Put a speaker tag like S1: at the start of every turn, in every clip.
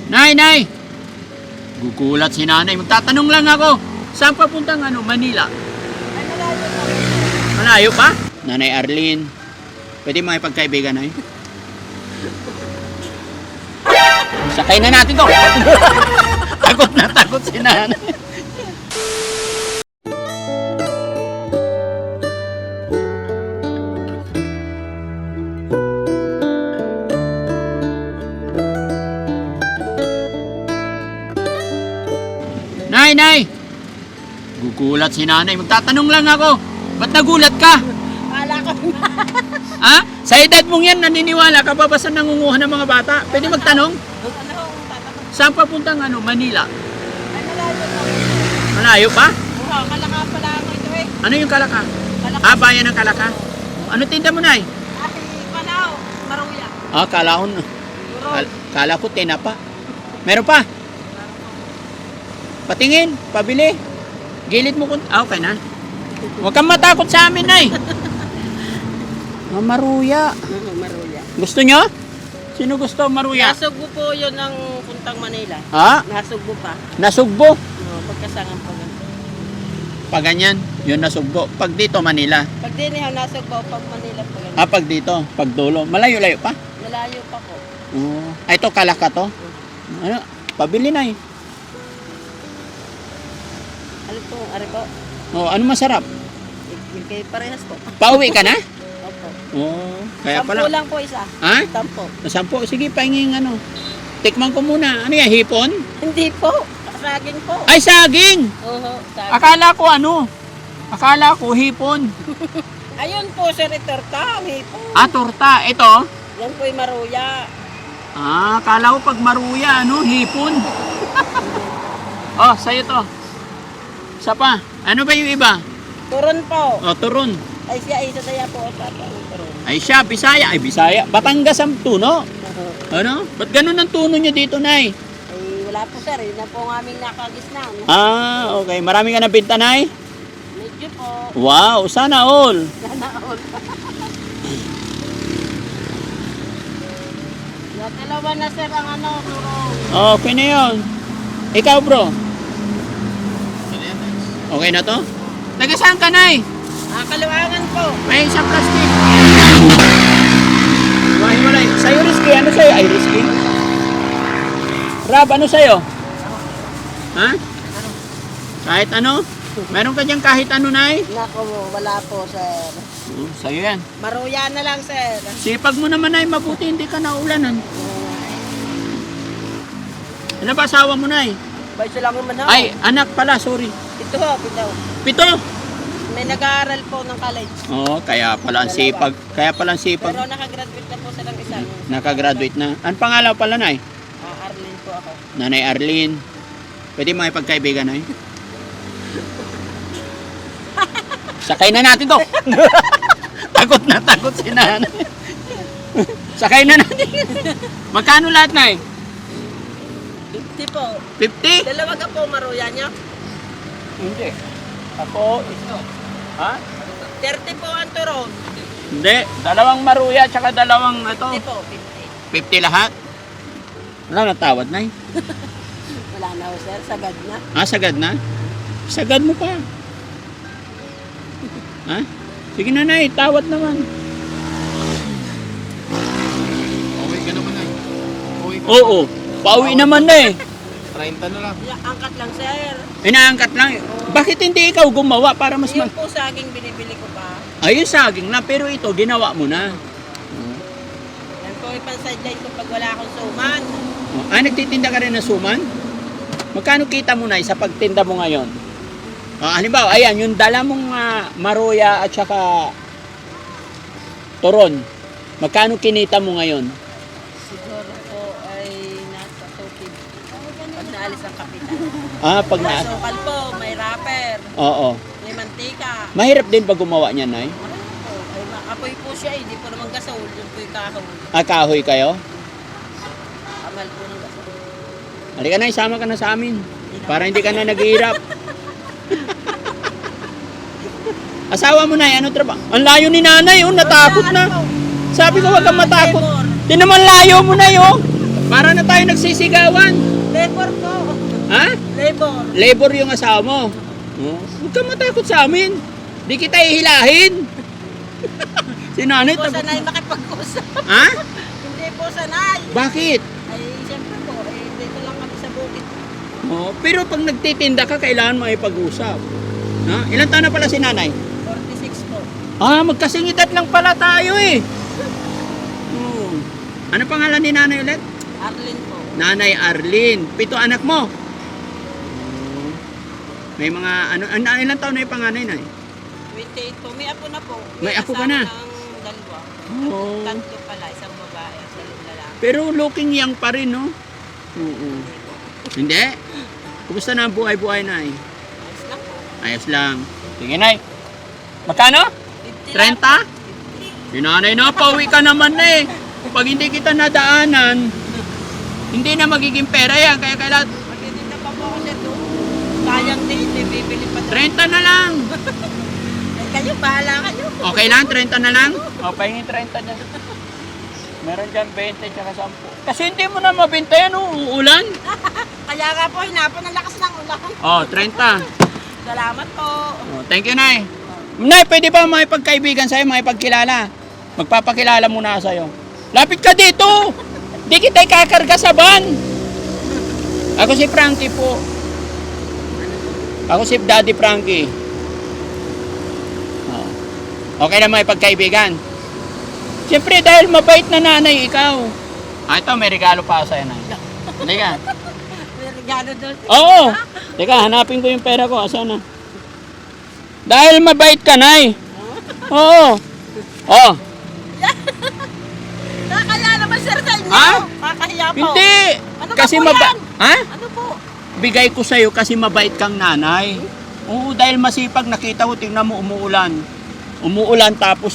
S1: Nay, nay! Gugulat si nanay. Magtatanong lang ako. Saan papuntang Manila? Malayo pa? Nanay Arlene. Pwede makipagkaibigan, nay? Sakay na natin to. Takot si nanay. Nay, nay! Gugulat si nanay. Magtatanong lang ako. Ba't nagulat ka?
S2: Wala ko.
S1: Ha? Sa edad mong yan, naniniwala ka ba basta nangunguha ng mga bata? Pwede magtanong? Saan papuntang Manila? Malayo pa?
S2: Oo, Kalaka pala ako ito eh.
S1: Ano yung Kalaka?
S2: Kalaka.
S1: Ah, bayan ng Kalaka. Ano tinda mo, nay?
S2: Ay, Panao, Maruya.
S1: Ah, kala ko tinapa. Meron pa? Patingin, pabili. Gilid mo kung... Ah, okay na. Huwag kang matakot sa amin, nay. Maruya.
S2: Oo, Maruya.
S1: Gusto nyo? Sino gusto maruya?
S2: Nasugbo po yun ng puntang Manila.
S1: Ha?
S2: Nasugbo pa.
S1: Nasugbo.
S2: Oo, pagkasangan pa ganun.
S1: Pag ganyan, yun nasugbo. Pag dito, Manila.
S2: Pag dinihaw, nasugbo, pag Manila pa ganun.
S1: Ah, pag dito, pag dulo. Malayo-layo pa?
S2: Malayo pa po.
S1: Oo. Ay, ito, Kalaka to? Ano? Pabili na eh.
S2: Ano po, ari po?
S1: Oh, ano masarap?
S2: Kay parehas po.
S1: Pauwi ka na?
S2: Opo.
S1: Oo. Kaya
S2: 10
S1: pala.
S2: lang po isa.
S1: Ha?
S2: 10.
S1: 10. Sige, pahinging Tikman ko muna. Ano yan, hipon?
S2: Hindi po. Saging po.
S1: Ay, saging!
S2: Oo, saging.
S1: Akala ko hipon.
S2: Ayun po, sir, torta. May po.
S1: Ah, torta. Ito?
S2: Yan po yung Maruya.
S1: Ah, akala ko pag maruya, hipon. Oh, sa'yo to. Isa pa. Ano ba yung iba?
S2: Turon po.
S1: Oh, turon.
S2: Ay siya, isa saya po. Turon.
S1: Ay siya, Bisaya. Ay, Bisaya. Batangas ang tuno. Ano? Ba't ganun ang tuno nyo dito, nay?
S2: Ay, wala po sir. Yun na po ang aming nakagisnan.
S1: Ah, okay. Marami ka nabinta, nay?
S2: Medyo po.
S1: Wow, sana all.
S2: Sana all. Dalawa na sir ang turon.
S1: Okay na yun. Ikaw, bro? Okay na to? Taga saan ka, nay?
S2: Kaluangan po.
S1: May isang plastic. Hiwalay. Sa'yo, Risky. Ano sa'yo? Ay, Risky. Rab, ano sa'yo? Ha? Kahit ano? Meron ka dyan kahit ano, nay?
S2: Nako, wala po sir.
S1: Sa'yo yan.
S2: Maruya na lang sir.
S1: Sipag mo naman, nay. Mabuti hindi ka naulanan. Ano ba asawa mo, nay?
S2: Ba, isa lang naman ako.
S1: Ay, anak pala. Sorry.
S2: Ito ho, ito.
S1: 7.
S2: May nag-aaral po ng college.
S1: Oo, kaya pala ang sipag.
S2: Pero nakagraduate na po silang isa.
S1: Nakagraduate na. Ang pangalan pala, nay?
S2: Arlene po ako.
S1: Nanay Arlene. Pwede makipagkaibigan, nay? Sakay na natin to. Takot si nanay. Sakay na natin. Magkano lahat, nay?
S2: 50 po.
S1: 50?
S2: Dalawa ka po Maruya niya.
S1: Hindi. Ako, ito. Ha?
S2: 30 po ang turon.
S1: Hindi. Dalawang maruya at saka dalawang
S2: 50 po,
S1: 50 lahat? Wala natawad, nay.
S2: Wala na ho sir, sagad na.
S1: Ah, sagad na? Sagad mo pa. Ha? Sige na, nay. Tawad naman.
S3: Okay ka naman ay. Okay ka.
S1: Oo. Pauwi naman na eh.
S3: 30 na lang.
S2: Angkat lang sir.
S1: Inaangkat lang. Bakit hindi ikaw gumawa para mas
S2: Yung po saging binibili ko pa.
S1: Ayun, saging na. Pero ito, ginawa mo na.
S2: Yan po yung pan-sideline ko pag wala akong suman.
S1: Ah, nagtitinda ka rin ng suman? Magkano kita mo na sa pagtinda mo ngayon? Halimbawa, ayan, yung dala mong maruya at saka turon. Magkano kinita mo ngayon?
S2: Siguro po ay nasa 250. Pag naalis ang kapital.
S1: Ah, pag
S2: May sukal po, may wrapper,
S1: Oo.
S2: may mantika.
S1: Mahirap din ba gumawa niya, nay?
S2: Ay, apoy po siya eh, di po naman gasol. Yung po yung kahoy.
S1: Ah, kahoy kayo?
S2: Amal po ng gasol.
S1: Halika na, isama ka na sa amin. Para hindi ka na naghihirap. Asawa mo, nay, ano trabaho? Ang layo ni nanay, natakot na. Sabi ko, wag kang matakot. Di naman layo mo na, Para na tayo nagsisigawan.
S2: Labor po.
S1: Ha?
S2: Labor.
S1: Labor yung asawa mo. Oh, huwag kang matakot sa amin. Di kita ihilahin. Si nanay
S2: Hindi po
S1: takot.
S2: sanay makipag-usap.
S1: Ha?
S2: Hindi po sanay.
S1: Bakit?
S2: Ay, siyempre po, dito lang kami sa bukid.
S1: Oh, pero pag nagtitinda ka, kailangan makipag-usap. Ha? Ilan taon na pala si nanay?
S2: 46 po.
S1: Ah, magkasingidad lang pala tayo eh. Oh. Ano pangalan ni nanay ulit?
S2: Arlene po.
S1: Nanay Arlene. 7 anak mo. May mga ilan taon na yung panganay na
S2: 28 po. May apo na po.
S1: May apo ka na?
S2: asawa ng dalawa.
S1: Oh.
S2: Tatlo pala, isang babae, isang lalaki.
S1: Pero looking young pa rin, no? Oo. Hindi? Kumusta na ang buhay-buhay na eh?
S2: Ayos lang po.
S1: Ayos lang. Sige, Nay. Magkano? 30? Sinanay na, pauwi ka naman na eh. Pag hindi kita nadaanan, hindi na magiging pera yan. Kaya kailangan,
S2: Magiging na pa po ako siya doon. Sayang din, hindi bibili pa doon.
S1: 30 na lang.
S2: Kayo, bahala kayo.
S1: Okay lang, 30 na lang? O, pahingin 30 dyan. Meron dyan 20 tsaka 10. Kasi hindi mo na mabenta yan, uulan.
S2: Kaya nga po, hinapan ang lakas ng ulan.
S1: O, 30.
S2: Salamat po.
S1: O, thank you, Nay. Nay, pwede ba makipagkaibigan sa'yo, makipagkilala? Magpapakilala muna ako sa'yo. Lapit ka dito! Di kita ikakarga sa van. Ako si Frankie po. Ako si Daddy Frankie. O. Okay na makipagkaibigan. Siyempre, dahil mabait na nanay ikaw. Ah, ito, may regalo pa ako sa'yo, Nay. Halika.
S2: May regalo doon.
S1: Oo. Teka, hanapin ko yung pera ko. Asan na? Dahil mabait ka, Nay. Oo. Oh.
S2: Nakakaya naman sir sa inyo.
S1: Ha?
S2: Kakahiya po.
S1: Hindi.
S2: Ano
S1: Kasi
S2: ba po yan?
S1: Ha?
S2: Ano po?
S1: Bigay ko sa'yo kasi mabait kang nanay. Oo, dahil masipag nakita ko, tingnan mo umuulan. Umuulan tapos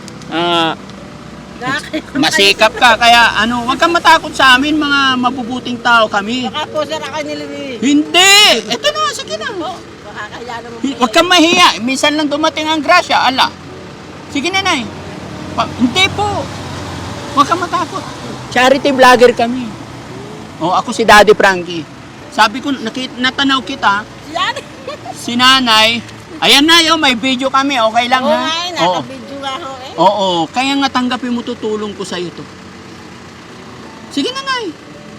S1: masikap ka. Kaya wag kang matakot sa amin, mga mabubuting tao kami.
S2: Baka po sir ako nilimi.
S1: Hindi. Ito na, sige na.
S2: Nakakaya naman po.
S1: Huwag kang mahiya. Minsan lang dumating ang grasya. Ala. Sige na, Nay. Hindi po. Huwag kang matakot. Charity vlogger kami. Oh, ako si Daddy Frankie. Sabi ko, natanaw kita,
S2: Yan.
S1: si nanay. Ayan na, may video kami. Okay lang,
S2: Oo
S1: ha?
S2: nga eh, naka-video nga ho eh.
S1: Oo. Kaya nga tanggapin mo, tutulong ko sa'yo to. Sige na, Nay.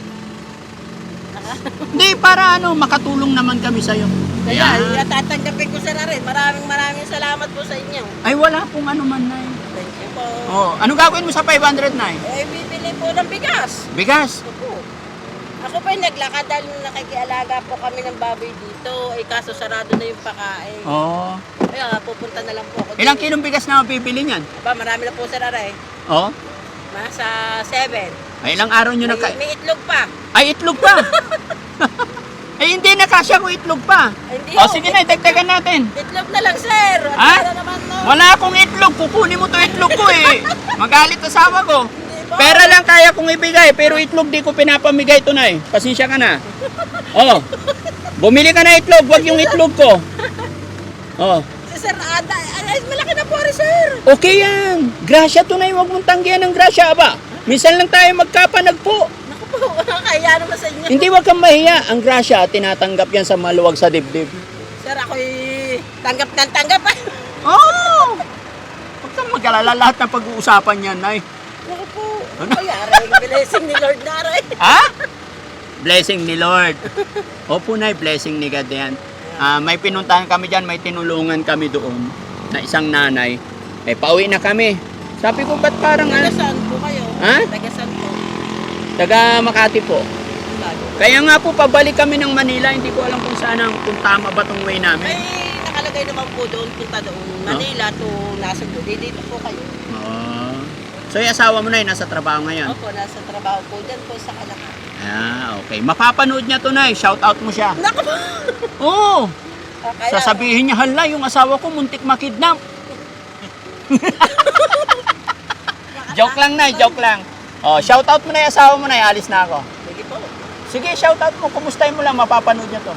S1: Hindi, para makatulong naman kami sa'yo.
S2: Kaya,
S1: Ayan.
S2: tatanggapin ko sir rin. Maraming salamat po sa inyo.
S1: Ay, wala pong man, Nay.
S2: Thank you po.
S1: Oh, ano gagawin mo sa 500, Nay?
S2: Eh, bibili po ng bigas.
S1: Bigas.
S2: Opo. Ako pa naglakad dahil nakikialaga po kami ng baboy dito. Eh, kaso sarado na yung pakain.
S1: Oh.
S2: Kaya pupunta na lang po ako.
S1: Ilang
S2: dun.
S1: kilong bigas na mabibili niyan?
S2: Aba, marami na po sir aray.
S1: Oh.
S2: Nasa 7.
S1: Ay, ilang araw nyo na
S2: May itlog pa.
S1: Ay, itlog pa! Ay, hindi na kasya kung itlog pa.
S2: Ay, hindi
S1: O,
S2: ho.
S1: sige na, dagdagan natin.
S2: Itlog na lang sir.
S1: Ha?
S2: Wala naman no.
S1: Wala akong itlog, kukunin mo to itlog ko eh. Magalit asawa ko.
S2: Hindi po.
S1: Pera lang kaya kong ibigay, pero itlog di ko pinapamigay to na eh. Pasensya ka na. Oh, bumili ka na itlog, wag yung itlog ko. Oh,
S2: Si Sir Ada, ay, malaki na po rin sir.
S1: okay yan. Grasya to na, wag mong tanggihan ng grasya, aba. Minsan lang tayo magkapanagpo.
S2: Naku po, kaya naman sa inyo.
S1: Hindi, wag kang mahiya. Ang grasya, tinatanggap yan sa maluwag sa dibdib.
S2: Sir, ako'y tanggap ng tanggap.
S1: Oh! Huwag kang mag-alala, lahat ng pag-uusapan yan, Nay.
S2: Naku po.
S1: Ano?
S2: Ay, aray, blessing ni Lord na aray.
S1: Ha? Blessing ni Lord. Opo, Nay, blessing ni God yan. May pinuntahan kami dyan, may tinulungan kami doon na isang nanay. Eh, pauwi na kami. Sabi ko, ba't parang
S2: Taga saan po kayo?
S1: Ha?
S2: Taga saan po?
S1: taga Makati po.
S2: Lago.
S1: Kaya nga po, pabalik kami ng Manila. Hindi ko alam kung saan kung tama ba tong way namin.
S2: Ay, nakalagay naman po doon, punta doon. Manila to Nasugbu. Dito po kayo.
S1: Oh. So, yung asawa mo na yun, nasa trabaho ngayon?
S2: Opo, nasa trabaho po dyan po sa Kalaka.
S1: Okay. Mapapanood niya to, Nay. Shout out mo siya.
S2: Naku po!
S1: Oo.
S2: Kaya,
S1: Sasabihin niya, hala, yung asawa ko muntik makidnap. Joke lang, Nay. Joke lang. Oh, shout out mo na yung asawa mo, Nay. Alis na ako.
S2: Sige po.
S1: Sige, shout out mo. Kumustahin mo lang. Mapapanood niya to.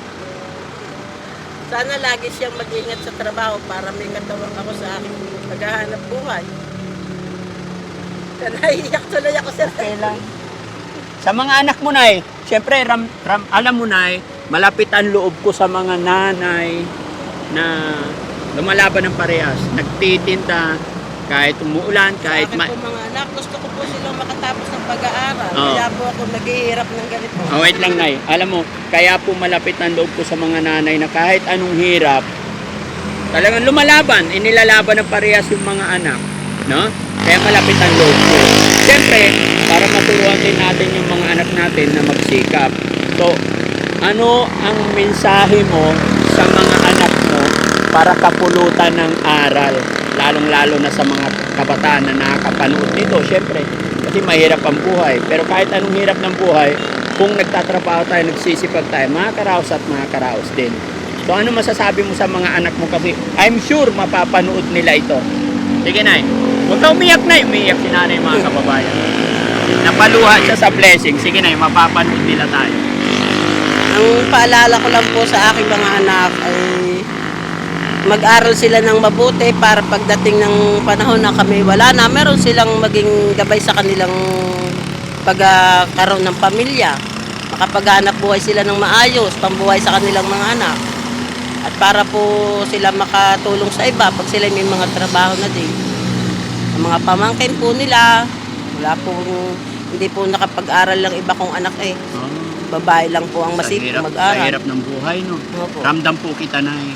S2: Sana lagi siyang mag-ingat sa trabaho para may katawang ako sa aking paghahanap buhay. Kaya naiiyak tuloy ako sir.
S1: Okay lang. Sa mga anak mo, Nay, siyempre, alam mo, Nay, malapit ang loob ko sa mga nanay na lumalaban ng parehas. Nagtitinda, kahit umuulan, kahit
S2: Sa akin po mga anak, gusto ko po silang makatapos ng pag-aaral.
S1: Oo.
S2: Kaya po ako naghihirap ng ganito.
S1: Oh, wait lang, Nay. Alam mo, kaya po malapit ang loob ko sa mga nanay na kahit anong hirap, talagang lumalaban, inilalaban ng parehas yung mga anak. No? Kaya malapit ang loob ko. Siyempre, para maturuan din natin yung mga anak natin na magsikap. So, ano ang mensahe mo sa mga anak mo para kapulutan ng aral? Lalong-lalo na sa mga kabataan na nakakapanood nito. Siyempre, kasi mahirap ang buhay. Pero kahit anong hirap ng buhay, kung nagtatrabaho tayo, nagsisipag tayo, makakaraos at makakaraos din. So, ano masasabi mo sa mga anak mo? Kasi I'm sure mapapanood nila ito. Sige, Nay. Huwag ka umiyak, Nay. Umiyak si Nanay, mga kababayan. Napaluha siya sa blessing. Sige, Nay, mapapanood nila tayo.
S2: Ang paalala ko lang po sa aking mga anak ay mag-aral sila ng mabuti para pagdating ng panahon na kami wala na, meron silang maging gabay sa kanilang pagkakaroon ng pamilya. Makapaghanap buhay sila ng maayos, pambuhay sa kanilang mga anak. At para po sila makatulong sa iba pag sila may mga trabaho na din. Ang mga pamangkin po nila, wala pong, hindi po nakapag-aral lang iba kong anak eh. Babae lang po ang masipag
S1: Sa
S2: mag-aral.
S1: hirap ng buhay, no?
S2: Opo.
S1: Ramdam po kita, Nay.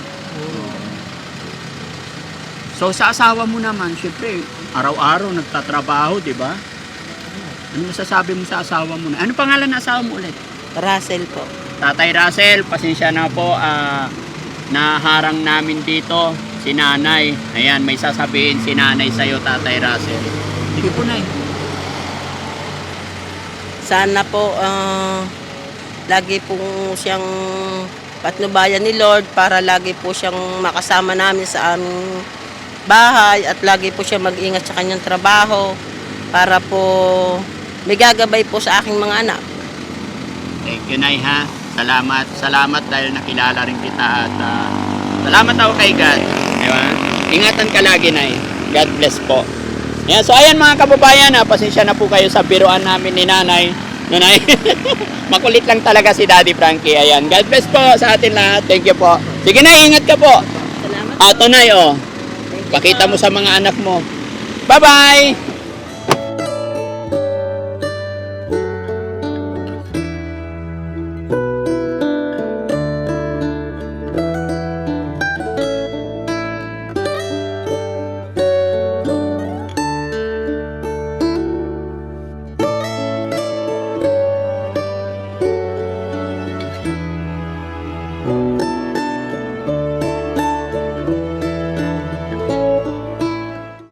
S1: So, sa asawa mo naman, syempre, araw-araw nagtatrabaho, di ba? Ano masasabi mo sa asawa mo? Ano pangalan ng asawa mo ulit?
S2: Russell po.
S1: Tatay Russell, pasensya na po, naharang namin dito si Nanay. Ayan, may sasabihin si Nanay sa'yo, Tatay Russell. Sige po, Nay.
S2: Sana po lagi po siyang patnubayan ni Lord para lagi po siyang makasama namin sa aming bahay at lagi po siya mag-ingat sa kanyang trabaho para po may gagabay po sa aking mga anak.
S1: Thank you, Nay, ha. Salamat. Salamat dahil nakilala rin kita at salamat ako kay God. Diba? Ingatan ka lagi, Nay. God bless po. Ayan, so ayan mga kababayan, pasensya na po kayo sa biruan namin ni Nanay. Nanay, makulit lang talaga si Daddy Frankie. Ayan, God bless po sa atin lahat. Thank you po. Sige, Nay, ingat ka po.
S2: Salamat.
S1: Ato, Nay, oh.
S2: Thank you
S1: Pakita
S2: po.
S1: mo sa mga anak mo. Bye-bye!